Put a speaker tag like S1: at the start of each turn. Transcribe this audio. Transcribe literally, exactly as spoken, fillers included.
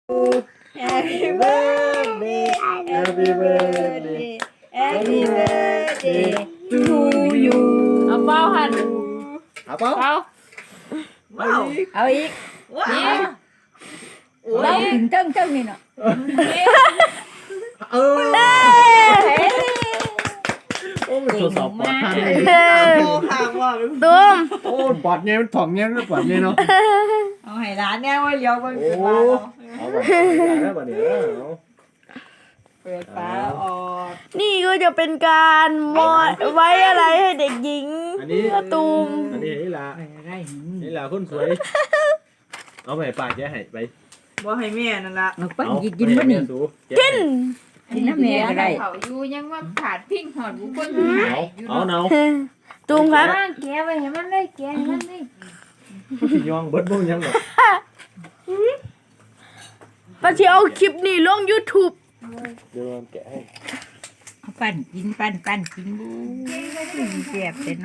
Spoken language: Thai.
S1: Happy birthday Happy birthday Happy birthday to you
S2: เอาเป้าหัน
S3: เอาเปล่า
S2: เป้า
S1: เอาอีก
S2: นี่
S1: เราถึงเจ้งเจ้งนี่เนาะ
S3: เออโอ้มันตรวจสอบปลอดภัย
S1: โอ้ห่างว่ะ
S4: ตุ้ม
S3: โอ้ปลอดเงี้ยมันถ่องเงี้ยมันปลอดเงี้ยเนาะ
S1: เอาให้ร้านเนี่ยว่าเลี้ยวมัน
S3: โอ้
S1: เปิดฝาเนาะ
S3: เอาแบบแล้วบัดนี้เอา
S1: เปิดฝาออก
S4: นี่ก็จะเป็นการมอดไว้อะไรให้เด็กหญิง
S3: อันนี้
S4: ตูม
S3: อันนี้นี่ล่ะ
S1: อะไร
S3: นี่ล่ะคนสวยเอาไปปากแกให้ไป
S1: บ่ให้แม่นั่นละ
S5: เอาไปกินบ่นี่
S3: กิน
S5: กินน้ำแม่ก็ได้
S2: เขาอยู่ยังว่าขาดพิ้งหอดบุคคล
S3: เอาเอาเนา
S4: ตูมครับ
S2: แกไปให้มันเลยแกให้มันเลย
S3: สิยองเบิดบ่ยังดอก
S4: ป้าที่เอาคลิปนี้ลง YouTube
S3: เดี๋ยวแกะให้
S5: เอาปั้นกินปั้นปั้นกินบูเจ็บเต็